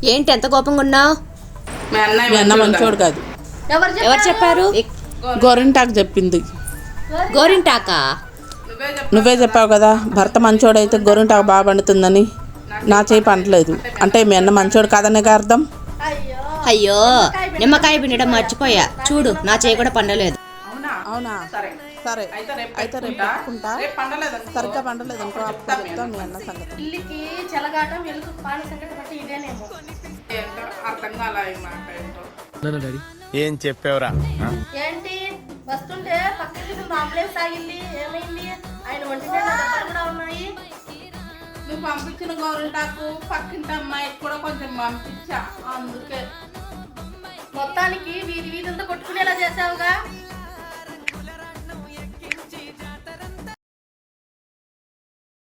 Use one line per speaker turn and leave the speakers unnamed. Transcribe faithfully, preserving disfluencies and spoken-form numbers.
ఏంటి ఎంత కోపంగా ఉన్నావు?
మీ అన్న మంచోడు కాదు.
ఎవరు చెప్పారు?
గోరింటాకు చెప్పింది.
గోరింటాకా?
నువ్వే చెప్పావు కదా భర్త మంచోడైతే గోరింటాకు బాగా పండుతుందని. నా చేయి పండలేదు అంటే మీ అన్న మంచోడు కాదనే అర్థం.
అయ్యో నిమ్మకాయ పిండడం మర్చిపోయా, చూడు నా చేయి కూడా పండలేదు.
అవునా? సరే అయితే రేపు పెట్టుకుంటా. సరిగ్గా పండలేదు అనుకో అప్పుడు చెప్తాం మీ అన్న సంగతి.
ఏం చెప్పావురా?
ఏంటి వస్తుంటే పక్కకి అంబులెన్స్ ఆగింది, ఏమైంది? ఆయన ఒంటినే కూడా ఉన్నాయి.
నువ్వు పంపించిన గోరింటాకు పక్కింటి అమ్మాయికి కూడా కొంచెం పంపించా, అందుకే
మొత్తానికి వీధి వీధంతా కొట్టుకునేలా చేసావుగా.